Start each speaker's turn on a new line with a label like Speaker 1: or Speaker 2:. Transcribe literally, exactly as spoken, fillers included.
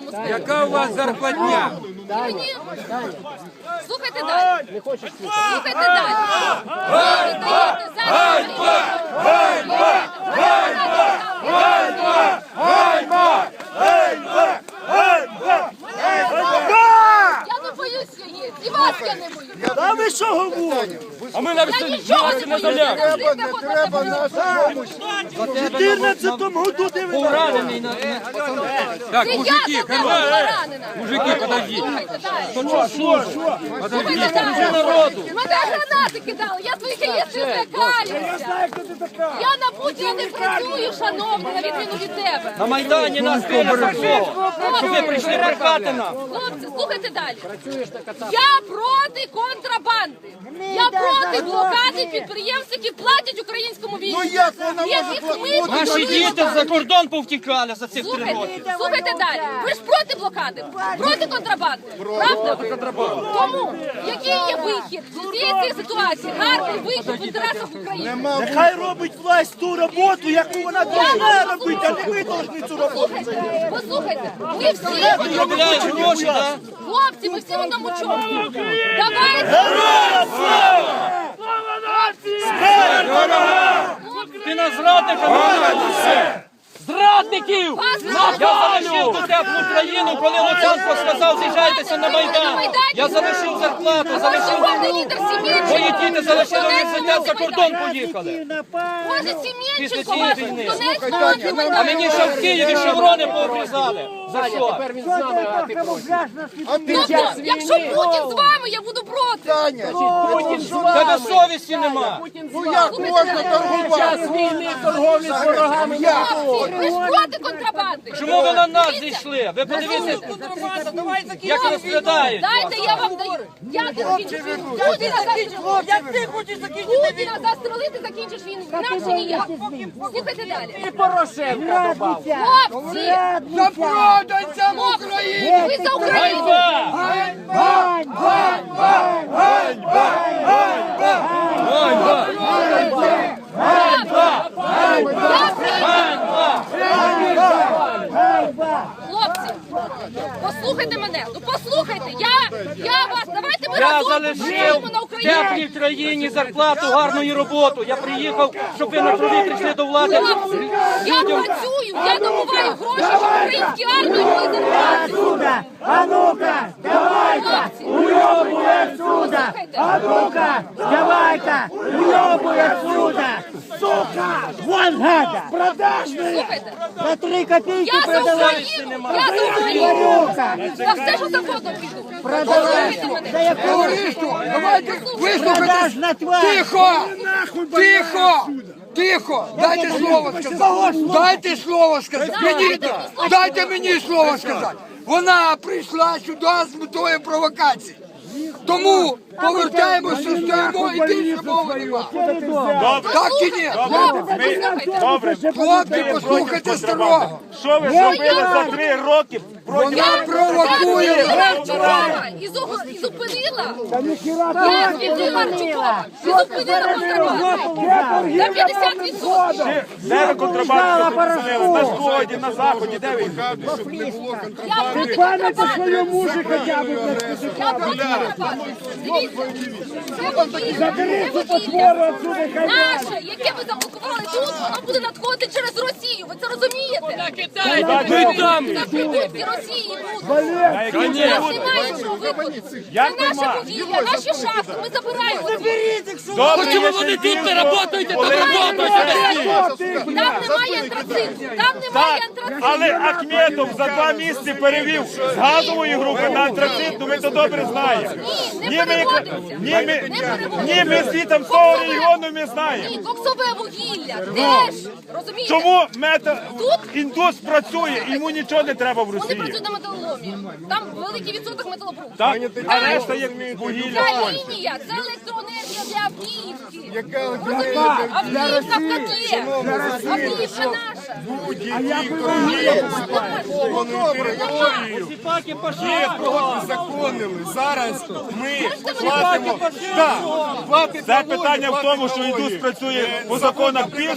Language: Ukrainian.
Speaker 1: цьому скажу.
Speaker 2: Яка у вас зарплатня?
Speaker 1: Мені... Слухайте далі. Слухайте далі. Ви даєте зараз...
Speaker 2: Ганьба! Ганьба! Ганьба! Ганьба! Ганьба! Ганьба!
Speaker 1: Я не боюся її. І вас я не боюся.
Speaker 3: А ви що говорите?
Speaker 2: А ми навіть
Speaker 1: Я нічого не
Speaker 2: не
Speaker 1: боюся.
Speaker 2: заляли.
Speaker 1: Треба, не треба нашу
Speaker 3: В чотирнадцятому году де ви
Speaker 2: Поранений на... Так,
Speaker 1: Це
Speaker 2: мужики,
Speaker 1: я
Speaker 2: хай
Speaker 1: була поранена.
Speaker 2: Мужики, подождіть.
Speaker 1: Слухайте далі.
Speaker 2: Що, що, що?
Speaker 1: Слухайте далі.
Speaker 2: народу.
Speaker 1: Мене гранати кидали, я твоїх яєць не злякаюся. Я на Путіна не працюю, шановний, на відміну від тебе.
Speaker 2: На Майдані нас били за що? Що ви прийшли брехати нам?
Speaker 1: Хлопці, слухайте далі. Я проти контрабанди. Я проти блокади підприємств, які платять українському війську.
Speaker 3: Ну як вона може
Speaker 1: Яких ми
Speaker 3: платити?
Speaker 2: Наші
Speaker 1: контролюємо.
Speaker 2: діти за кордон повтікали за цих три
Speaker 1: Слухайте,
Speaker 2: роки.
Speaker 1: слухайте далі. Ви ж проти блокади, проти контрабанди, правда? Тому, який є вихід з цієї цієї ситуації? Гарний вихід в інтересах України.
Speaker 3: Нехай робить власть ту роботу, яку вона повинна робити, а не ви повинні цю роботу.
Speaker 1: Послухайте, послухайте, ми всі в одному
Speaker 2: Заробляють
Speaker 1: чому.
Speaker 2: гроші, так?
Speaker 1: Хлопці, ми всі в одному чому. Давайте.
Speaker 2: Ти нас зрадника називаєш? Зрадників! Я залишив ту теплу країну, коли Луценко сказав, з'їжджайтеся на Майдан. Я залишив зарплату,
Speaker 1: Ваш
Speaker 2: залишив...
Speaker 1: сьогодні лідер Сім'єнченко.
Speaker 2: Мої діти залишили університет, за кордон
Speaker 1: Майдані.
Speaker 2: поїхали.
Speaker 1: Боже,
Speaker 2: Після
Speaker 1: Сім'єнченко
Speaker 2: цієї
Speaker 1: ваш
Speaker 2: війни.
Speaker 1: Донецьк, Майдані.
Speaker 2: А мені ще в Києві шеврони пообрізали. За що?
Speaker 1: Тобто, якщо Путін з вами, я буду проти.
Speaker 2: Тебе совісті нема.
Speaker 3: Ну як можна торгувати?
Speaker 4: Війни, торговлі з ворогами.
Speaker 1: Хлопці, ви ж проти контрабанди.
Speaker 2: Чому ви на нас зійшли? Ви подивіться, як розглядають.
Speaker 1: Дайте, я вам даю. Я закінчу війну. Путіна застрелити. Як ти хочеш закінчити війну? Путіна застрелити, закінчиш війну. Інакше ніяк. Слухайте далі.
Speaker 4: І Порошенка добав.
Speaker 1: Хлопці,
Speaker 3: Запроданцям України!
Speaker 1: ви за Україну. Хлопці, послухайте мене. Ну послухайте, я, я вас, давайте ми
Speaker 2: Я
Speaker 1: разом
Speaker 2: залишив
Speaker 1: працюємо на
Speaker 2: в
Speaker 1: Україну.
Speaker 2: теплій країні зарплату, гарну і роботу. Я приїхав, щоб ви на крові прийшли до влади.
Speaker 1: Хлопці, я
Speaker 2: Людям
Speaker 1: працюю, я добуваю гроші, щоб українські армії були зарплати.
Speaker 4: А ну-ка, давай-ка,
Speaker 1: Хлопці,
Speaker 4: уйобуй отсюда.
Speaker 1: послухайте.
Speaker 4: А ну-ка, давай-ка, уйобуй отсюда. Сука, вон гада. Продажные.
Speaker 1: Слухайте,
Speaker 4: На три копейки
Speaker 1: я за
Speaker 4: продавай.
Speaker 1: Україну, я за Україну.
Speaker 4: Варюка,
Speaker 1: За все, що завгодно піду.
Speaker 4: продавай.
Speaker 1: Послухайте мене.
Speaker 4: Да я
Speaker 3: Товариство, давайте вислухайте.
Speaker 4: продажна тварь.
Speaker 3: Тихо! Тихо! Тихо! Дайте слово сказати! Дайте слово сказати! Мені, дайте мені слово сказати! Вона прийшла сюди з метою провокації. Тому повертаємося, стоїмо і більше мови нема. Так чи ні?
Speaker 1: Хлопці, послухайте.
Speaker 5: Добре,
Speaker 3: Хлопці, послухайте старого.
Speaker 5: що ви зробили за три роки?
Speaker 3: Вона провокує.
Speaker 1: Я Марчукова і зу- і зупинила. Я звільнила Марчукова і зупинила контрабанду. На п'ятдесят відсотків.
Speaker 5: Де ви контрабанду зупинили? На сході, на заході, де ви?
Speaker 1: Я проти контрабанди. Я проти контрабанди. Дивіться, це вугілля, це вугілля наше, яке ви заблокували тут, воно буде надходити через Росію. Ви це розумієте?
Speaker 2: Ви там!
Speaker 1: На прибутки Росії будуть. У нас немає іншого виходу. Це наше вугілля, наші шахти, ми забираємо.
Speaker 5: Добре,
Speaker 2: Чому вони тут не працюєте, то роботаєте?
Speaker 1: Там немає антрациту, там немає антрациту.
Speaker 5: але Ахметов за два місяці перевів з газової групи на антрацит, ну ми то добре знаємо.
Speaker 1: Ні, не переводиться.
Speaker 5: Ні, ми,
Speaker 1: Не переводиться.
Speaker 5: ні, ми звітом з того регіону ми знаємо.
Speaker 1: Ні, коксове вугілля теж, розумієте?
Speaker 5: Чому мета
Speaker 1: Тут?
Speaker 5: індус працює, йому нічого не треба в
Speaker 1: Вони
Speaker 5: Росії.
Speaker 1: працюють на металоломі. Там великий відсоток металобрухту.
Speaker 5: Так? А решта як вугілля.
Speaker 1: Ця лінія, це електроенергія для Авдіївки. Розумієте? Авдіївка в котлі. Авдіївка наша.
Speaker 2: Сіпаки пошли.
Speaker 3: Законили. Зараз ми
Speaker 1: платимо.
Speaker 3: платимо.
Speaker 5: Це питання в тому, що індус працює по законах більш